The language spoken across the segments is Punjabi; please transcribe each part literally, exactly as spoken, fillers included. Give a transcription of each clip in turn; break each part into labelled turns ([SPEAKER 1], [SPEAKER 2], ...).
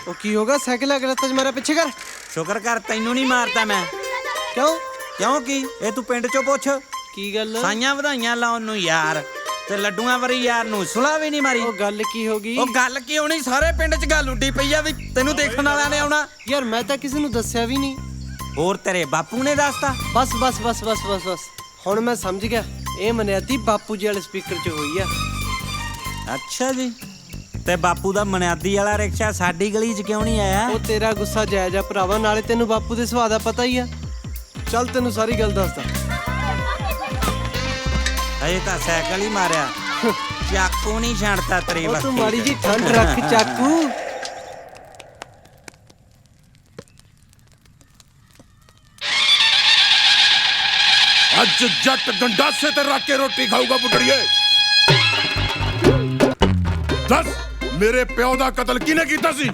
[SPEAKER 1] ਉਹ ਕੀ ਹੋਗਾ ਸਾਈਕਲ ਅਗਰ ਤੱਕ ਮਾਰਾ ਪਿੱਛੇ ਕਰ।
[SPEAKER 2] ਸ਼ੁਕਰ ਕਰ ਤੈਨੂੰ ਨਹੀਂ ਮਾਰਤਾ ਮੈਂ।
[SPEAKER 1] ਕਿਉਂ
[SPEAKER 2] ਕਿਉਂ ਕੀ ਇਹ ਤੂੰ ਪਿੰਡ ਚੋਂ ਪੁੱਛ।
[SPEAKER 1] ਕੀ ਗੱਲ?
[SPEAKER 2] ਸਾਈਆਂ ਵਧਾਈਆਂ ਲਾਉਣ ਨੂੰ ਯਾਰ, ਤੇ ਲੱਡੂਆਂ ਵਰੀ ਯਾਰ ਨੂੰ ਸੁਲਾ ਵੀ ਨਹੀਂ ਮਾਰੀ।
[SPEAKER 1] ਉਹ ਗੱਲ ਕੀ ਹੋ ਗਈ?
[SPEAKER 2] ਉਹ ਗੱਲ ਕੀ ਹੋਣੀ, ਸਾਰੇ ਪਿੰਡ 'ਚ ਗੱਲ ਉੱਡੀ ਪਈ ਆ ਵੀ ਤੈਨੂੰ ਦੇਖਣ ਵਾਲਿਆਂ ਨੇ ਆਉਣਾ।
[SPEAKER 1] ਯਾਰ ਮੈਂ ਤਾਂ ਕਿਸੇ ਨੂੰ ਦੱਸਿਆ ਵੀ ਨਹੀਂ।
[SPEAKER 2] ਹੋਰ ਤੇਰੇ ਬਾਪੂ ਨੇ ਦੱਸਤਾ?
[SPEAKER 1] ਬਸ ਬਸ ਬਸ ਬਸ ਬਸ ਬਸ ਹੁਣ ਮੈਂ ਸਮਝ ਗਿਆ। ਇਹ ਮਨਿਆਦੀ ਬਾਪੂ ਜੀ ਵਾਲੇ ਸਪੀਕਰ 'ਚ ਹੋਈ ਆ।
[SPEAKER 2] ਅੱਛਾ ਜੀ, ਤੇ ਬਾਪੂ ਦਾ ਮਨਿਆਦੀ ਵਾਲਾ ਰਿਕਸ਼ਾ ਸਾਡੀ ਗਲੀ 'ਚ ਕਿਉਂ ਨਹੀਂ ਆਇਆ?
[SPEAKER 1] ਉਹ ਤੇਰਾ ਗੁੱਸਾ ਜਾਇਜ਼ ਆ ਭਰਾਵਾ, ਨਾਲੇ ਤੈਨੂੰ ਬਾਪੂ ਦੇ ਸੁਭਾਅ ਦਾ ਪਤਾ ਹੀ ਆ। ਚੱਲ ਤੈਨੂੰ ਸਾਰੀ ਗੱਲ ਦੱਸਦਾ।
[SPEAKER 2] ਹਜੇ ਤਾਂ ਸਾਈਕਲ ਹੀ ਮਾਰਿਆ, ਚਾਕੂ ਨਹੀਂ ਛੱਡਤਾ ਤੇਰੀ
[SPEAKER 1] ਉਹ
[SPEAKER 2] ਵਕਤ।
[SPEAKER 1] ਤੂੰ ਮਾੜੀ ਜੀ ਠੰਡ ਰੱਖ ਚਾਕੂ।
[SPEAKER 3] ਅੱਜ ਜੱਟ ਗੰਡਾਸੇ ਤੇ ਰੱਖ ਕੇ ਰੋਟੀ ਖਾਊਗਾ ਬੁੱਢੜੀਏ। ਦੱਸ ਮੇਰੇ ਪਿਓ ਦਾ ਕਤਲ ਕਿਹਨੇ ਕੀਤਾ ਸੀ?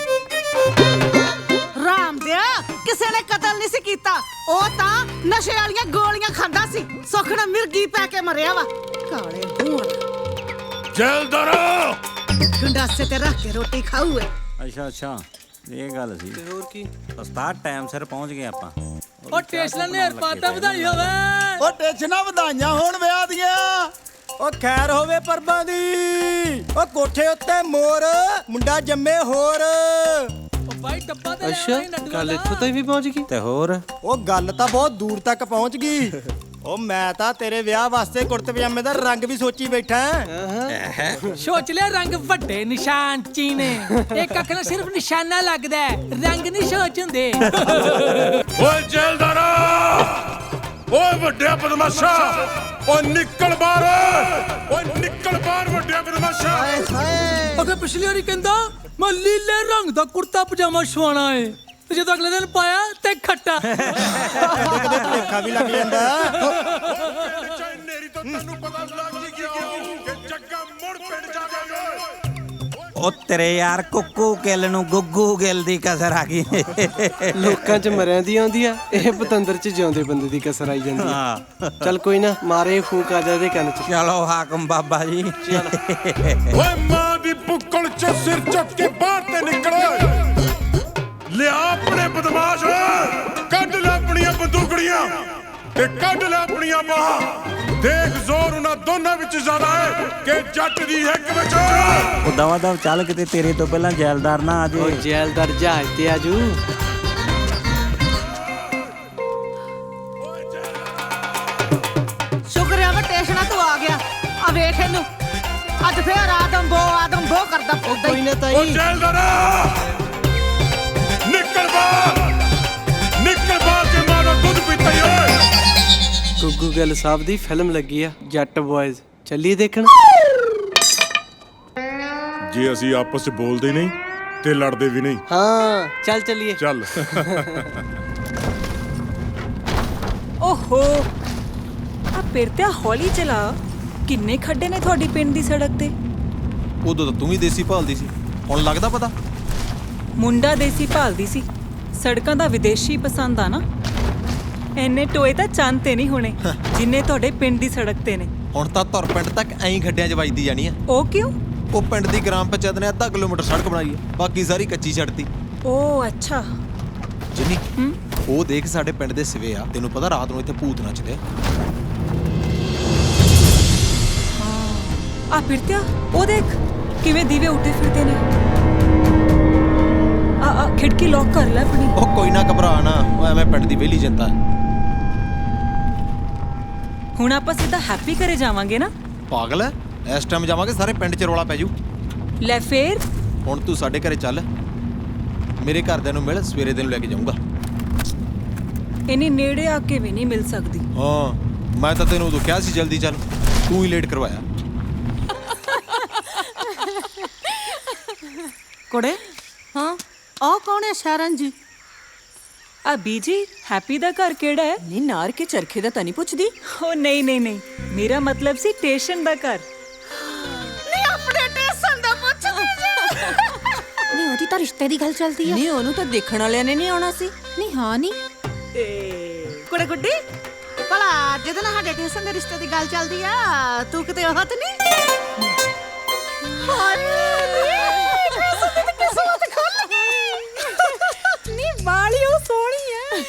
[SPEAKER 4] ਰਾਮ ਦਿਆ ਕਿਸੇ ਨੇ ਕਤਲ ਨਹੀਂ ਸੀ ਕੀਤਾ। ਉਹ ਤਾਂ ਨਸ਼ੇ ਵਾਲੀਆਂ ਗੋਲੀਆਂ ਖਾਂਦਾ ਸੀ। ਸੁੱਖ ਨਾਲ ਮਿਰਗੀ ਪੈ ਕੇ ਮਰਿਆ ਵਾ। ਕਾਲੇ ਹੋਣ
[SPEAKER 3] ਜੇਲਦਾਰਾ
[SPEAKER 4] ਗੰਡਾਸੇ ਤੇ ਰੱਖ ਕੇ ਰੋਟੀ ਖਾਊ ਏ।
[SPEAKER 2] ਅੱਛਾ ਅੱਛਾ, ਇਹ ਗੱਲ ਸੀ।
[SPEAKER 1] ਤੇ ਹੋਰ ਕੀ?
[SPEAKER 2] ਉਸਤਾਦ ਟਾਈਮ ਸਿਰ ਪਹੁੰਚ ਗਏ ਆਪਾਂ।
[SPEAKER 5] ਉਹ ਟੇਸਲਾਂ ਨੇ ਪਾਤਾ ਵਧਾਈ ਹੋਵੇ।
[SPEAKER 6] ਉਹ ਟੇਸ਼ਨਾਂ ਵਧਾਈਆਂ ਹੋਣ ਵਿਆਹ ਦੀਆਂ। ਉਹ ਖੈਰ ਹੋਵੇ ਪਰਬਾਂ ਦੀ। ਉਹ ਕੋਠੇ ਉੱਤੇ ਮੋਰ ਮੁੰਡਾ ਜੰਮੇ ਹੋਰ।
[SPEAKER 5] ਉਹ ਬਾਈ ਡੱਬਾ ਤੇ ਲੈ
[SPEAKER 1] ਅੱਛਾ
[SPEAKER 5] ਆਈ ਲੱਡੂਆਂ
[SPEAKER 1] ਗੱਲ
[SPEAKER 5] ਦਾ।
[SPEAKER 1] ਇੱਥੋਂ ਤੱਕ ਵੀ ਪਹੁੰਚ ਗਈ।
[SPEAKER 2] ਤੇ ਹੋਰ
[SPEAKER 6] ਉਹ ਗੱਲ ਤਾਂ ਬਹੁਤ ਦੂਰ ਤੱਕ ਪਹੁੰਚ ਗਈ। ਉਹ ਮੈਂ ਤਾਂ ਤੇਰੇ ਵਿਆਹ ਵਾਸਤੇ ਕੁੜਤੇ ਪਜਾਮੇ ਦਾ ਰੰਗ ਵੀ ਸੋਚੀ ਬੈਠਾ।
[SPEAKER 5] ਸੋਚ ਲਿਆ ਰੰਗ ਵੱਡੇ ਨਿਸ਼ਾਨ ਚੀਨੇ। ਇੱਕ ਅੱਖ ਨਾਲ ਸਿਰਫ ਨਿਸ਼ਾਨਾ ਲੱਗਦਾ ਹੈ, ਰੰਗ ਨਹੀਂ ਸੋਚ ਹੁੰਦੇ।
[SPEAKER 3] ਓਏ ਜੇਲਦਾਰਾ, ਓਏ ਵੱਡਿਆ ਬਦਮਾਸ਼ਾ, ਓਏ ਨਿਕਲ ਬਾਹਰ। ਓਏ ਨਿਕਲ ਬਾਹਰ ਵੱਡਿਆ ਬਦਮਾਸ਼ਾ।
[SPEAKER 5] ਅਗੇ ਪਿਛਲੀ ਵਾਰੀ ਕਹਿੰਦਾ ਮੈਂ ਲੀਲੇ ਰੰਗ ਦਾ ਕੁੜਤਾ ਪਜਾਮਾ ਸਵਾਣਾ ਏ, ਤੇ ਜਦੋਂ ਅਗਲੇ ਦਿਨ ਪਾਇਆ ਤੇ ਖੱਟਾ।
[SPEAKER 6] ਕਦੇ ਭੁਲੇਖਾ ਵੀ ਲੱਗ ਜਾਂਦਾ।
[SPEAKER 3] ਨੇਰੀ ਤੋਂ ਤੈਨੂੰ ਪਤਾ ਲੱਗ ਹੀ ਗਿਆ ਕਿ ਜੱਗਾ ਮੁੜ ਪਿੰਡ ਜਾਵੇਗਾ।
[SPEAKER 2] ਉਹ ਤੇਰੇ ਯਾਰ ਕੁੱਕੂ ਗਿੱਲ ਨੂੰ ਗੁੱਗੂ ਗਿੱਲ ਦੀ ਕਸਰ ਆ ਗਈ।
[SPEAKER 1] ਲੋਕਾਂ 'ਚ ਮਰਿਆਂ ਦੀ ਆਉਂਦੀ ਆ, ਇਹ ਪਤੰਦਰ 'ਚ ਜਿਉਂਦੇ ਬੰਦੇ ਦੀ ਕਸਰ ਆਈ ਜਾਂਦੀ ਆ।
[SPEAKER 2] ਹਾਂ
[SPEAKER 1] ਚੱਲ ਕੋਈ ਨਾ, ਮਾਰੇ ਫੂਕ ਆ ਜਾ ਇਹਦੇ ਕੰਨ 'ਚ।
[SPEAKER 2] ਚਲੋ ਹਾਕਮ ਬਾਬਾ ਜੀ।
[SPEAKER 3] ਓਏ ਮਾਂ ਦੀ ਬੁੱਕਲ ਚ ਸਿਰ ਚੁੱਕ ਕੇ ਬਾਹਰ ਤੇ ਨਿਕਲ। ਲਿਆ ਆਪਣੇ ਬਦਮਾਸ਼, ਕੱਢ ਲੈ ਆਪਣੀਆਂ ਬੰਦੂਕੜੀਆਂ ਤੇ ਕੱਢ ਲੈ ਆਪਣੀਆਂ ਬਾਹਾਂ। ਦੇਖ ਜ਼ੋਰ ਉਹਨਾਂ ਦੋਨਾਂ ਵਿੱਚ ਜ਼ਿਆਦਾ ਹੈ ਕਿ ਜੱਟ ਦੀ ਹਿੱਕ ਵਿੱਚ।
[SPEAKER 2] ਉਹ ਦਵਾ ਦਵ ਚੱਲ, ਕਿਤੇ ਤੇਰੇ ਤੋਂ ਪਹਿਲਾਂ ਜੈਲਦਾਰ ਨਾ ਆ
[SPEAKER 1] ਉਹ
[SPEAKER 2] ਜੇ।
[SPEAKER 1] ਜੈਲਦਾਰ ਜਹਾਜ਼ ਤੇ ਆਜੂ।
[SPEAKER 4] ਸ਼ੁਕਰ ਆ ਵਾ ਟੇਸ਼ਨਾ ਤੂੰ ਆ ਗਿਆ। ਆ ਵੇਖ ਇਹਨੂੰ, ਅੱਜ ਫੇਰ ਆਦਮ ਬੋ ਆਦਮ ਬੋ ਕਰਦਾ
[SPEAKER 1] ਉਹ
[SPEAKER 4] ਫਿਰਦਾ
[SPEAKER 1] ਕੋਈ
[SPEAKER 4] ਈ।
[SPEAKER 1] ਨਾ
[SPEAKER 3] ਓ
[SPEAKER 1] ਤਾਈ।
[SPEAKER 3] ਜੈਲਦਾਰਾ, ਨਿਕਲ ਬਾਹਰ, ਨਿਕਲ ਬਾਹਰ ਤੇ ਮਾਰਾ ਦੁੱਧ ਪੀਤਾ ਈ ਓਏ।
[SPEAKER 1] ਗੁੱਗੂ ਗਿੱਲ ਸਾਹਿਬ ਦੀ ਫਿਲਮ ਲੱਗੀ ਆ ਜੱਟ ਬॉयਜ਼, ਚੱਲੀਏ ਦੇਖਣ।
[SPEAKER 3] ਜੇ ਅਸੀਂ ਆਪਸ ਚ ਬੋਲਦੇ ਨਹੀਂ ਤੇ ਲੜਦੇ ਵੀ ਨਹੀਂ।
[SPEAKER 1] ਹਾਂ ਚੱਲ ਚੱਲੀਏ।
[SPEAKER 3] ਚੱਲ।
[SPEAKER 7] ਓਹੋ ਆ ਪਿਰਤਿਆ ਹੌਲੀ ਚਲਾ। ਕਿੰਨੇ ਖੱਡੇ ਨੇ ਤੁਹਾਡੀ ਪਿੰਡ ਦੀ ਸੜਕ ਤੇ?
[SPEAKER 6] ਉਦੋਂ ਤਾਂ ਤੂੰ ਵੀ ਦੇਸੀ ਭਾਲਦੀ ਸੀ, ਹੁਣ ਲੱਗਦਾ ਪਤਾ।
[SPEAKER 7] ਮੁੰਡਾ ਦੇਸੀ ਭਾਲਦੀ ਸੀ, ਸੜਕਾਂ ਦਾ ਵਿਦੇਸ਼ੀ ਪਸੰਦ ਆ ਨਾ। ਐਨੇ ਟੋਏ ਤਾਂ ਚੰਨ ਤੇ ਨਹੀਂ ਹੋਣੇ ਜਿੰਨੇ ਤੁਹਾਡੇ ਪਿੰਡ ਦੀ ਸੜਕ ਤੇ ਨੇ।
[SPEAKER 6] ਹੁਣ ਤਾਂ ਧੁਰ ਪਿੰਡ ਤੱਕ ਐਂ ਖੱਡਿਆਂ 'ਚ ਵੱਜਦੀ ਜਾਣੀ ਆ।
[SPEAKER 7] ਉਹ ਕਿਉਂ?
[SPEAKER 6] ਉਹ ਪਿੰਡ ਦੀ ਗ੍ਰਾਮ ਪੰਚਾਇਤ ਨੇ ਅੱਧਾ ਕਿਲੋਮੀਟਰ ਸੜਕ ਬਣਾਈ ਆ, ਬਾਕੀ ਸਾਰੀ ਕੱਚੀ ਛੱਡਤੀ।
[SPEAKER 7] ਓ ਅੱਛਾ।
[SPEAKER 6] ਜਿੰਨੀ ਉਹ ਦੇਖ ਸਾਡੇ ਪਿੰਡ ਦੇ ਸਿਵੇ ਆ, ਤੈਨੂੰ ਪਤਾ ਰਾਤ ਨੂੰ ਇੱਥੇ ਭੂਤ ਨੱਚਦੇ।
[SPEAKER 7] ਆ ਪਿਰਤਿਆ ਉਹ ਦੇਖ ਕਿਵੇਂ ਦੀਵੇ ਉੱਠੇ ਫਿਰਦੇ ਨੇ। ਆ ਆ ਖਿੜਕੀ ਲੌਕ ਕਰ ਲੈ ਆਪਣੀ।
[SPEAKER 6] ਉਹ ਕੋਈ ਨਾ ਘਬਰਾ ਨਾ, ਉਹ ਐਵੇਂ ਪਿੰਡ ਦੀ ਵਿਹਲੀ ਜਨਤਾ।
[SPEAKER 7] ਹੁਣ ਆਪਾਂ ਸਿੱਧਾ ਹੈਪੀ ਘਰੇ ਜਾਵਾਂਗੇ ਨਾ।
[SPEAKER 6] ਪਾਗਲ ਐ, ਇਸ ਟਾਈਮ ਜਾਵਾਂਗੇ ਸਾਰੇ ਪਿੰਡ 'ਚ ਰੌਲਾ ਪੈ ਜੂ।
[SPEAKER 7] ਲੈ ਫੇਰ
[SPEAKER 6] ਹੁਣ ਤੂੰ ਸਾਡੇ ਘਰੇ ਚੱਲ, ਮੇਰੇ ਘਰਦਿਆਂ ਨੂੰ ਮਿਲ, ਸਵੇਰੇ ਤੈਨੂੰ ਲੈ ਕੇ ਜਾਊਂਗਾ।
[SPEAKER 7] ਇੰਨੀ ਨੇੜੇ ਆ ਕੇ ਵੀ ਨਹੀਂ ਮਿਲ ਸਕਦੀ।
[SPEAKER 6] ਹਾਂ ਮੈਂ ਤਾਂ ਤੈਨੂੰ ਉਦੋਂ ਕਿਹਾ ਸੀ ਜਲਦੀ ਚੱਲ, ਤੂੰ ਹੀ ਲੇਟ ਕਰਵਾਇਆ।
[SPEAKER 4] ਕੁੜੇ
[SPEAKER 7] ਹਾਂ
[SPEAKER 4] ਉਹ ਕੌਣ ਹੈ ਸ਼ਰਨ ਜੀ?
[SPEAKER 7] ਆ ਬੀਜੀ ਹੈਪੀ ਦਾ ਘਰ ਕਿਹੜਾ ਹੈ?
[SPEAKER 8] ਨੀ ਨਾਰ ਕੇ ਚਰਖੇ ਦਾ ਤਾਂ ਨਹੀਂ ਪੁੱਛਦੀ।
[SPEAKER 7] ਓ ਨਹੀਂ ਨਹੀਂ ਨਹੀਂ, ਮੇਰਾ ਮਤਲਬ ਸੀ ਸਟੇਸ਼ਨ ਦਾ ਘਰ।
[SPEAKER 4] ਨਹੀਂ ਆਪਣੇ ਟੇਸ਼ਨ ਦਾ ਪੁੱਛਦੀ ਜੇ।
[SPEAKER 8] ਨਹੀਂ ਉਹਦੀ ਤਾਂ ਰਿਸ਼ਤੇ ਦੀ ਗੱਲ ਚੱਲਦੀ ਆ। ਨਹੀਂ ਉਹਨੂੰ ਤਾਂ ਦੇਖਣ ਵਾਲਿਆਂ ਨੇ ਨਹੀਂ ਆਉਣਾ ਸੀ। ਨਹੀਂ ਹਾਂ ਨਹੀਂ
[SPEAKER 4] ਕੁੜੇ ਗੁੱਡੀ ਭਲਾ ਜਿਹਦੇ ਨਾਲ ਸਾਡੇ ਟੇਸ਼ਨ ਦੇ ਰਿਸ਼ਤੇ ਦੀ ਗੱਲ ਚੱਲਦੀ ਆ, ਤੂੰ ਕਿਤੇ ਉਹ ਤੇ ਨਹੀਂ? ਹਾਏ ਕਿਸਮਤ ਖੁੱਲ ਗਈ।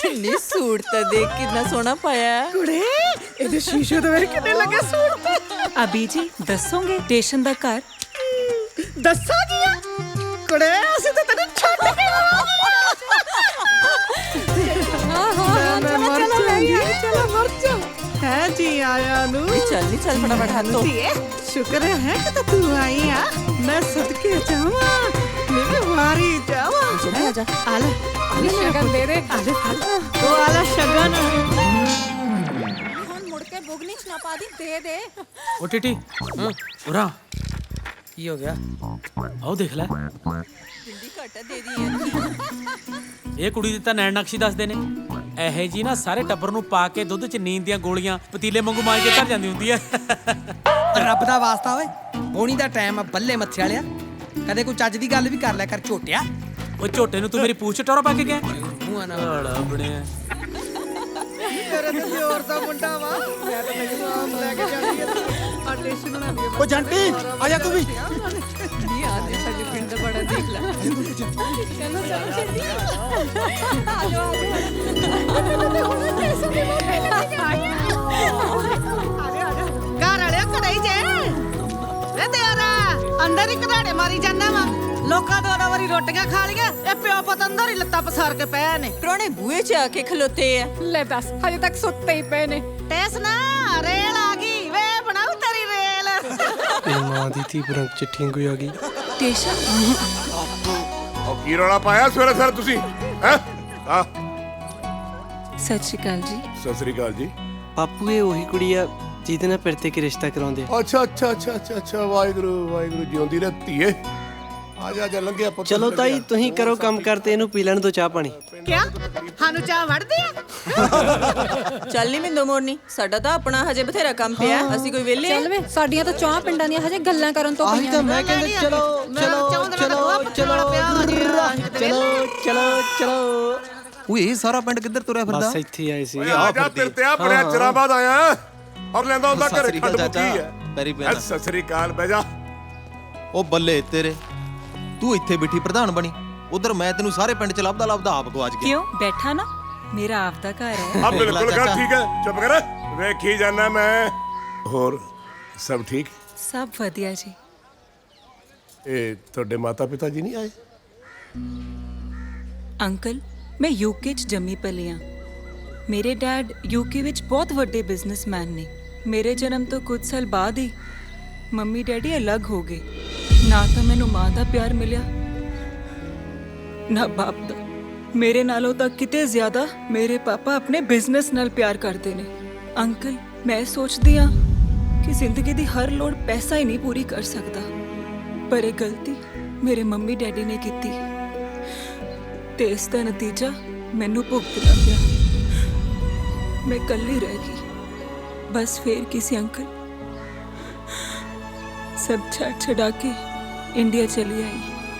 [SPEAKER 8] ਨੀ ਸੂਟ ਤਾਂ ਦੇਖ ਕਿੰਨਾ ਸੋਹਣਾ ਪਾਇਆ ਹੈ।
[SPEAKER 4] ਕੁੜੇ ਇਹਦੇ ਸ਼ੀਸ਼ੇ ਦੇ ਵੇਖ ਕਿੰਨੇ ਲੱਗੇ ਸੂਟ ਤੇ।
[SPEAKER 7] ਅਬੀ ਜੀ ਦੱਸੋਗੇ ਸਟੇਸ਼ਨ ਦਾ ਘਰ?
[SPEAKER 4] ਦੱਸਾਂ ਕੀ ਆ ਕੁੜੇ, ਅਸੀਂ ਤਾਂ ਤੈਨੂੰ ਛੱਡ ਕੇ
[SPEAKER 8] ਹਾਂ ਹਾਂ
[SPEAKER 4] ਮੈਂ ਮਰ ਜਾਊਂਗੀ। ਚਲੋ ਮਰ ਜਾ ਹੈ ਜੀ ਆਇਆ ਨੂੰ।
[SPEAKER 8] ਚੱਲ ਨੀ ਚੱਲ ਫਟਾਫਟ ਹੱਥ ਧੋ।
[SPEAKER 4] ਧੀਏ ਸ਼ੁਕਰ ਹੈ ਕਿ ਤੂੰ ਆਈ ਆ। ਮੈਂ ਸਦਕੇ ਜਾਵਾਂ, ਮੇਰੇ ਵਾਰੀ ਜਾਵਾਂ।
[SPEAKER 8] ਆ ਜਾ
[SPEAKER 4] ਆ ਲੈ ਆ ਲੈ ਸ਼ਗਨ ਦੇ ਦੇ। ਆ ਲੈ ਫੜ ਉਹ ਆ ਲੈ ਸ਼ਗਨ।
[SPEAKER 8] ਹੁਣ ਮੁੜ ਕੇ ਬੁਗਨੀ ਚ ਨਾ ਪਾ ਦੀ, ਦੇ ਦੇ।
[SPEAKER 5] ਓ ਟਿਟੀ ਉਰਾ ਕੀ ਹੋ ਗਿਆ? ਆਓ ਦੇਖ ਲੈ,
[SPEAKER 8] ਬਿੰਦੀ ਘੱਟ ਦੇ ਦੀ।
[SPEAKER 5] ਇਹ ਕੁੜੀ ਦੀ ਤਾਂ ਨੈਣ ਨਕਸ਼ੀ ਦੱਸਦੇ ਨੇ। ਇਹੋ ਜੀ ਨਾ ਸਾਰੇ ਟੱਬਰ ਨੂੰ ਪਾ ਕੇ ਦੁੱਧ 'ਚ ਨੀਂਦ ਦੀਆਂ ਗੋਲੀਆਂ ਪਤੀਲੇ ਵਾਂਗੂ ਮਾਰ ਕੇ ਧਰ ਜਾਂਦੀ ਹੁੰਦੀ ਐ।
[SPEAKER 9] ਰੱਬ ਦਾ ਵਾਸਤਾ ਓਏ, ਪੌਣੀ ਦਾ ਟਾਈਮ ਆ ਬੱਲੇ ਮੱਥੇ ਵਾਲਿਆ। ਕਦੇ ਕੋਈ ਚੱਜ ਦੀ ਗੱਲ ਵੀ ਕਰ ਲਿਆ ਕਰ ਝੋਟਿਆ।
[SPEAKER 5] ਉਹ ਝੋਟੇ ਨੂੰ ਤੂੰ ਮੇਰੀ ਪੂਛ ਟੋਰਾ ਪਾ ਕੇ ਗਿਆ?
[SPEAKER 9] ਮੂੰਹ ਨਾ
[SPEAKER 5] ਬੜਾ ਬਣਿਆ।
[SPEAKER 4] ਤੇਰੇ ਤੇ ਜ਼ੋਰ ਦਾ ਮੁੰਡਾ ਵਾ। ਮੈਂ ਤਾਂ ਮੈਨੂੰ ਆਮ ਲੈ ਕੇ ਜਾਣੀ ਆ। ਆ ਟੇਸ਼ਨ ਬਣਾ ਲਈ।
[SPEAKER 6] ਓ ਜੰਟੀ ਆ ਜਾ ਤੂੰ ਵੀ।
[SPEAKER 8] ਨੀ ਆ ਦੇ ਸਾਡੇ ਪਿੰਡ ਦਾ ਬੜਾ ਦੇਖ ਲੈ। ਚਲੋ ਚਲੋ ਛੇਤੀ ਆ ਜਾਓ
[SPEAKER 4] ਘਰ ਵਾਲਿਆ ਘਰੇ ਹੀ ਜੇ ਵੇ ਤੇਰਾ ਅੰਦਰ ਹੀ ਘਰਾੜੇ ਮਾਰੀ ਜਾਂਦਾ ਵਾ। ਲੋਕਾਂ ਦੋ ਦੋ ਵਾਰੀ ਰੋਟੀਆਂ ਖਾ ਲੀਆਂ, ਇਹ ਪਿਓ ਪੁੱਤ ਅੰਦਰ ਹੀ ਲੱਤਾਂ ਪਸਾਰ ਕੇ ਪਏ ਨੇ।
[SPEAKER 8] ਪ੍ਰਾਹੁਣੇ ਬੂਹੇ ਚ ਆ ਕੇ ਖਲੋਤੇ ਆ।
[SPEAKER 7] ਲੈ ਦੱਸ ਹਜੇ ਤੱਕ ਸੁੱਤੇ ਹੀ ਪਏ ਨੇ।
[SPEAKER 4] ਟੈਸ ਨਾ ਰੇਲ ਆ ਗਈ ਵੇ, ਬਣਾਉ ਤੇਰੀ ਰੇਲ।
[SPEAKER 1] ਇਹ ਮਾਂ ਦੀ ਧੀ ਬਰੰਗ ਚਿੱਠੀ ਕੋਈ ਆ ਗਈ।
[SPEAKER 7] ਸਟੇਸ਼ਨ
[SPEAKER 3] ਉਹ ਕੀ ਰੌਲਾ ਪਾਇਆ ਸਵੇਰੇ ਸਵੇਰੇ ਤੁਸੀਂ ਹੈ? ਆ
[SPEAKER 7] ਸਤਿ ਸ਼੍ਰੀ ਅਕਾਲ ਜੀ।
[SPEAKER 3] ਸਤਿ ਸ੍ਰੀ ਅਕਾਲ ਜੀ।
[SPEAKER 1] ਬਾਪੂ ਇਹ ਉਹੀ ਕੁੜੀ ਆ ਜਿਹਦੇ ਨਾਲ ਪਿਰਤੇ ਕੇ ਰਿਸ਼ਤਾ ਕਰਾਉਂਦੇ ਆ।
[SPEAKER 3] ਅੱਛਾ ਅੱਛਾ ਅੱਛਾ ਅੱਛਾ ਅੱਛਾ ਵਾਹਿਗੁਰੂ ਵਾਹਿਗੁਰੂ ਜਿਉਂਦੀ ਰਹਿ ਧੀਏ। ਆ ਜਾ ਜਾ ਲੰਘਿਆ ਪੁੱਤ।
[SPEAKER 1] ਚਲੋ ਤਾਈ ਤੁਸੀਂ ਕਰੋ ਕੰਮ ਕਰਤੇ, ਇਹਨੂੰ ਪੀ ਲੈਣ ਦੋ ਚਾਹ ਪਾਣੀ।
[SPEAKER 4] ਕਿਆ ਸਾਨੂੰ ਚਾਹ ਵੜਦੇ ਆ?
[SPEAKER 8] ਚੱਲ ਨੀ ਮਿੰਦੋ ਮੋਰਨੀ, ਸਾਡਾ ਤਾਂ ਆਪਣਾ ਹਜੇ ਬਥੇਰਾ ਕੰਮ ਪਿਆ। ਅਸੀਂ ਕੋਈ ਵਿਹਲੇ ਆ?
[SPEAKER 10] ਵੇ ਸਾਡੀਆਂ ਤਾਂ ਚਾਹ ਪਿੰਡਾਂ ਦੀਆਂ ਹਜੇ ਗੱਲਾਂ ਕਰਨ ਤੋਂ
[SPEAKER 1] ਆਹੀ ਤਾਂ ਮੈਂ ਕਹਿੰਦਾ ਚਲੋ ਚਲੋ ਚਲੋ ਚਲੋ ਚਲੋ ਚਲੋ ਚਲੋ।
[SPEAKER 6] ਓਏ ਇਹ ਸਾਰਾ ਪਿੰਡ ਕਿੱਧਰ ਤੁਰਿਆ ਫਿਰਦਾ?
[SPEAKER 1] ਬਸ ਇੱਥੇ ਆਏ ਸੀ।
[SPEAKER 3] ਓਏ ਆ ਜਾ ਤੇਰੇ ਤੇ ਆ ਬੜਿਆ ਚਿਰਾਂ ਬਾਅਦ ਆਇਆ ਔਰ ਲੈਂਦਾ ਹੁੰਦਾ
[SPEAKER 6] ਸਤਿ
[SPEAKER 3] ਘਰੇ
[SPEAKER 6] ਸ੍ਰੀ ਅਕਾਲ
[SPEAKER 3] ਖੰਡ ਮੁੱਕੀ
[SPEAKER 6] ਚਾਚਾ,
[SPEAKER 3] ਹੈ।
[SPEAKER 6] ਪੈਰੀ ਪੈਣਾ।
[SPEAKER 3] ਸਤਿ ਸ੍ਰੀ ਅਕਾਲ ਬਹਿ ਜਾ।
[SPEAKER 6] ਉਹ ਬੱਲੇ ਤੇਰੇ, ਤੂੰ ਇੱਥੇ ਬਿਠੀ ਪ੍ਰਧਾਨ ਬਣੀ। ਉਧਰ ਮੈਂ ਤੈਨੂੰ ਸਾਰੇ ਪਿੰਡ ਚ ਲੱਭਦਾ ਲੱਭਦਾ ਆਪ ਗਵਾਚ ਗਿਆ।
[SPEAKER 7] ਕਿਉਂ ਬੈਠਾ ਨਾ, ਮੇਰਾ ਆਪਦਾ ਘਰ ਹੈ।
[SPEAKER 3] ਆ ਬਿਲਕੁਲ ਗੱਲ ਠੀਕ ਹੈ। ਚੁੱਪ ਕਰ, ਵੇਖੀ ਜਾਣਾ ਮੈਂ। ਹੋਰ ਸਭ ਠੀਕ?
[SPEAKER 7] ਸਭ ਵਧੀਆ ਜੀ।
[SPEAKER 3] ਇਹ ਤੁਹਾਡੇ ਮਾਤਾ ਪਿਤਾ ਜੀ ਨਹੀਂ ਆਏ?
[SPEAKER 7] ਅੰਕਲ ਮੈਂ ਯੂਕੇ ਚ ਜੰਮੀ ਪਲੀ ਹਾਂ। ਮੇਰੇ ਡੈਡ ਯੂਕੇ ਵਿੱਚ ਬਹੁਤ ਵੱਡੇ ਬਿਜ਼ਨਸਮੈਨ ਨੇ। ਮੇਰੇ ਜਨਮ ਤੋਂ ਕੁਝ ਸਾਲ ਬਾਅਦ ਹੀ ਮੰਮੀ ਡੈਡੀ ਅਲੱਗ ਹੋ ਗਏ। ਨਾ ਤਾਂ ਮੈਨੂੰ ਮਾਂ ਦਾ ਪਿਆਰ ਮਿਲਿਆ ਨਾ ਬਾਪ ਦਾ। ਮੇਰੇ ਨਾਲੋਂ ਤਾਂ ਕਿਤੇ ਜ਼ਿਆਦਾ ਮੇਰੇ ਪਾਪਾ ਆਪਣੇ ਬਿਜ਼ਨਸ ਨਾਲ ਪਿਆਰ ਕਰਦੇ ਨੇ। ਅੰਕਲ ਮੈਂ ਸੋਚਦੀ ਹਾਂ ਕਿ ਜ਼ਿੰਦਗੀ ਦੀ ਹਰ ਲੋੜ ਪੈਸਾ ਹੀ ਨਹੀਂ ਪੂਰੀ ਕਰ ਸਕਦਾ, ਪਰ ਇਹ ਗਲਤੀ ਮੇਰੇ ਮੰਮੀ ਡੈਡੀ ਨੇ ਕੀਤੀ ਤੇ ਇਸ ਦਾ ਨਤੀਜਾ ਮੈਨੂੰ ਭੁਗਤਣਾ ਪਿਆ। ਮੈਂ ਇਕੱਲੀ ਰਹਿ ਗਈ। ਬਸ ਫੇਰ ਕਿਸੇ ਅੰਕਲ ਸਭ ਛੱਡ ਛਡਾ ਕੇ ਇੰਡੀਆ ਚਲੀ ਆਈ।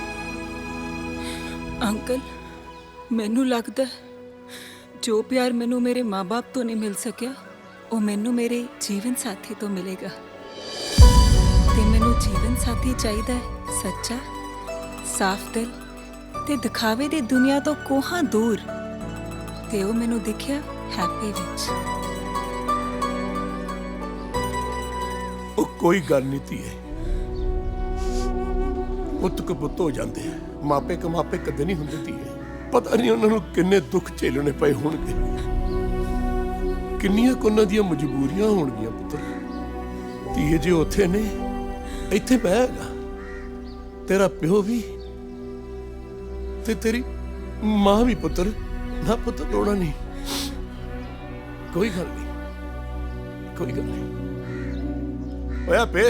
[SPEAKER 7] ਅੰਕਲ ਮੈਨੂੰ ਲੱਗਦਾ ਜੋ ਪਿਆਰ ਮੈਨੂੰ ਮੇਰੇ ਮਾਂ-ਬਾਪ ਤੋਂ ਨਹੀਂ ਮਿਲ ਸਕਿਆ ਉਹ ਮੈਨੂੰ ਮੇਰੇ ਜੀਵਨ ਸਾਥੀ ਤੋਂ ਮਿਲੇਗਾ। ਤੇ ਮੈਨੂੰ ਜੀਵਨ ਸਾਥੀ ਚਾਹੀਦਾ ਹੈ ਸੱਚਾ, ਸਾਫ਼ ਦਿਲ ਤੇ ਦਿਖਾਵੇ ਦੀ ਦੁਨੀਆ ਤੋਂ ਕੋਹਾਂ ਦੂਰ। ਤੇ ਉਹ ਮੈਨੂੰ ਦਿਖਿਆ ਹੈਪੀ ਵਿੱਚ।
[SPEAKER 3] ਉਹ ਕੋਈ ਗੱਲ ਨਹੀਂ ਧੀਏ, ਪੁੱਤ ਕੋ ਪੁੱਤ ਹੋ ਜਾਂਦੇ ਆ। ਮਾਪੇ ਕਮਾਪੇ ਕਦੇ ਨਹੀਂ ਹੁੰਦੇ ਧੀਏ। ਪਤਾ ਨਹੀਂ ਉਹਨਾਂ ਨੂੰ ਕਿੰਨੇ ਦੁੱਖ ਝੇਲਣੇ ਪਏ ਹੋਣਗੇ, ਕਿੰਨੀਆਂ ਕੁ ਉਹਨਾਂ ਦੀਆਂ ਮਜਬੂਰੀਆਂ ਹੋਣਗੀਆਂ ਪੁੱਤਰ। ਧੀਏ ਜੇ ਉੱਥੇ ਨੇ, ਇੱਥੇ ਮੈਂ ਹੈਗਾ। ਤੇਰਾ ਪਿਓ ਵੀ ਤੇ ਤੇਰੀ ਮਾਂ ਵੀ ਪੁੱਤਰ। ਨਾ ਪੁੱਤ ਰੋਣਾ ਨਹੀਂ, ਕੋਈ ਗੱਲ ਨਹੀਂ, ਕੋਈ ਗੱਲ ਨਹੀਂ। ਓਏ ਆਪੇ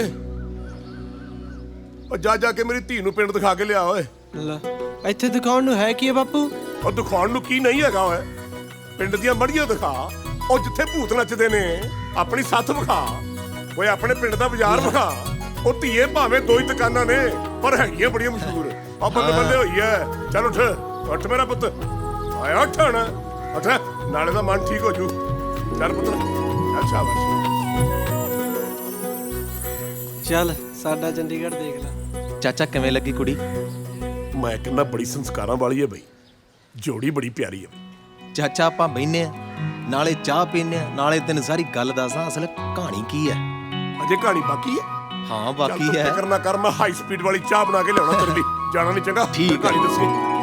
[SPEAKER 3] ਉਹ ਜਾ ਜਾ ਕੇ ਮੇਰੀ ਧੀ ਨੂੰ ਪਿੰਡ ਦਿਖਾ ਕੇ ਲਿਆ ਓਏ।
[SPEAKER 1] ਲੈ ਇੱਥੇ ਦਿਖਾਉਣ ਨੂੰ ਹੈ ਕੀ ਹੈ ਬਾਪੂ?
[SPEAKER 3] ਉਹ ਦਿਖਾਉਣ ਨੂੰ ਕੀ ਨਹੀਂ ਹੈਗਾ ਓਏ। ਪਿੰਡ ਦੀਆਂ ਮੜੀਆਂ ਦਿਖਾ, ਉਹ ਜਿੱਥੇ ਭੂਤ ਨੱਚਦੇ ਨੇ। ਆਪਣੀ ਸੱਥ ਵਿਖਾ ਓਏ, ਆਪਣੇ ਪਿੰਡ ਦਾ ਬਾਜ਼ਾਰ ਵਿਖਾ। ਉਹ ਧੀਏ ਭਾਵੇਂ ਦੋ ਹੀ ਦੁਕਾਨਾਂ ਨੇ ਪਰ ਹੈਗੀਆਂ ਬੜੀਆਂ ਮਸ਼ਹੂਰ। ਆ ਬੱਲੇ ਬੱਲੇ ਹੋਈ ਐ। ਚੱਲ ਉੱਠ ਉੱਠ ਮੇਰਾ ਪੁੱਤ, ਆਇਆ ਉੱਠ ਹੁਣ ਉੱਠ, ਨਾਲੇ ਦਾ ਮਨ ਠੀਕ ਹੋ ਜੂ। ਚੱਲ ਪੁੱਤ ਚੱਲ, ਸ਼ਾਬਾਸ਼।
[SPEAKER 1] ਚੱਲ ਸਾਡਾ ਚੰਡੀਗੜ੍ਹ ਦੇਖ ਲੈ।
[SPEAKER 6] ਚਾਚਾ ਕਿਵੇਂ ਲੱਗੀ ਕੁੜੀ?
[SPEAKER 3] ਮੈਂ ਕਹਿੰਦਾ ਬੜੀ ਸੰਸਕਾਰਾਂ ਵਾਲੀ ਹੈ ਬਈ, ਜੋੜੀ ਬੜੀ ਪਿਆਰੀ ਹੈ।
[SPEAKER 11] ਚਾਚਾ ਆਪਾਂ ਬਹਿਨੇ ਆ, ਨਾਲੇ ਚਾਹ ਪੀਨੇ ਆ, ਨਾਲੇ ਤੈਨੂੰ ਸਾਰੀ ਗੱਲ ਦੱਸਾਂ ਅਸਲ ਕਹਾਣੀ ਕੀ ਹੈ।
[SPEAKER 3] ਅਜੇ ਕਹਾਣੀ ਬਾਕੀ ਹੈ?
[SPEAKER 11] ਹਾਂ
[SPEAKER 3] ਚੱਲ
[SPEAKER 11] ਬਾਕੀ
[SPEAKER 3] ਤੂੰ
[SPEAKER 11] ਹੈ।
[SPEAKER 3] ਫਿਕਰ ਨਾ ਕਰ, ਮੈਂ ਹਾਈ ਸਪੀਡ ਵਾਲੀ ਚਾਹ ਬਣਾ ਕੇ ਲਿਆਉਣਾ ਤੇਰੇ ਲਈ। ਜਾਣਾ ਨਹੀਂ ਚੰਗਾ,
[SPEAKER 11] ਠੀਕ ਹੈ।
[SPEAKER 3] ਕਹਾਣੀ ਦੱਸੀ।